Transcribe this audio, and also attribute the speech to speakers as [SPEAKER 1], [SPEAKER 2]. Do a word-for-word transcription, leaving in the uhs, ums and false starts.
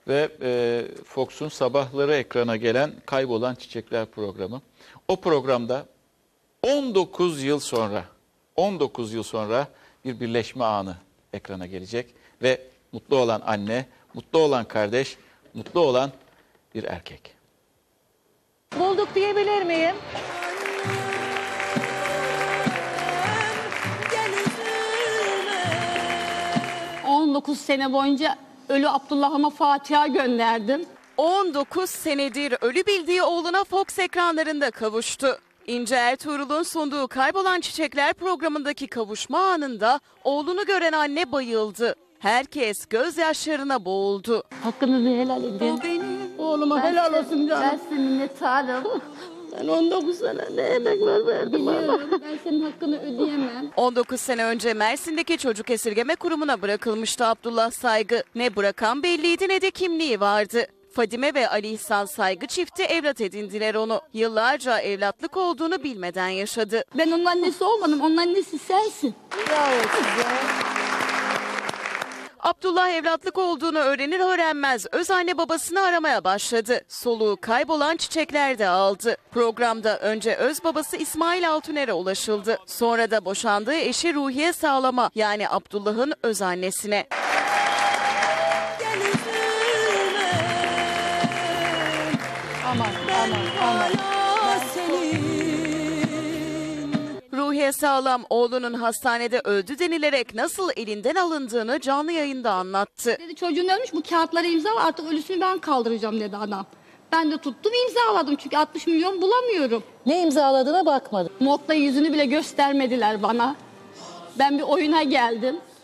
[SPEAKER 1] ve e, Fox'un sabahları ekrana gelen Kaybolan Çiçekler programı. O programda on dokuz yıl sonra, on dokuz yıl sonra bir birleşme anı ekrana gelecek ve mutlu olan anne, mutlu olan kardeş, mutlu olan bir erkek.
[SPEAKER 2] Bulduk diyebilir miyim? on dokuz sene boyunca ölü Abdullah'ıma Fatiha gönderdim.
[SPEAKER 3] on dokuz senedir ölü bildiği oğluna Fox ekranlarında kavuştu. İnce Ertuğrul'un sunduğu Kaybolan Çiçekler programındaki kavuşma anında oğlunu gören anne bayıldı. Herkes gözyaşlarına boğuldu.
[SPEAKER 2] Hakkınızı helal edin.
[SPEAKER 4] Oğluma helal olsun canım.
[SPEAKER 2] Ben size minnettarım.
[SPEAKER 4] Ben on dokuz sene ne emekler verdim ama.
[SPEAKER 2] Biliyorum, ben senin hakkını ödeyemem.
[SPEAKER 3] on dokuz sene önce Mersin'deki çocuk esirgeme kurumuna bırakılmıştı Abdullah Saygı. Ne bırakan belliydi ne de kimliği vardı. Fadime ve Ali İhsan Saygı çifti evlat edindiler onu. Yıllarca evlatlık olduğunu bilmeden yaşadı.
[SPEAKER 2] Ben onun annesi olmadım, onun annesi sensin.
[SPEAKER 4] Bravo size.
[SPEAKER 3] Abdullah evlatlık olduğunu öğrenir öğrenmez öz anne babasını aramaya başladı. Soluğu Kaybolan Çiçekler'de aldı. Programda önce öz babası İsmail Altuner'e ulaşıldı. Sonra da boşandığı eşi Ruhiye Sağlam'a, yani Abdullah'ın öz annesine.
[SPEAKER 4] Aman aman aman.
[SPEAKER 3] Ruhiye Sağlam oğlunun hastanede öldü denilerek nasıl elinden alındığını canlı yayında anlattı.
[SPEAKER 2] Dedi çocuğun ölmüş, bu kağıtlara imza var, artık ölüsünü ben kaldıracağım dedi adam. Ben de tuttum imzaladım çünkü altmış milyon bulamıyorum.
[SPEAKER 4] Ne imzaladığına bakmadım.
[SPEAKER 2] Morgda yüzünü bile göstermediler bana. Ben bir oyuna geldim.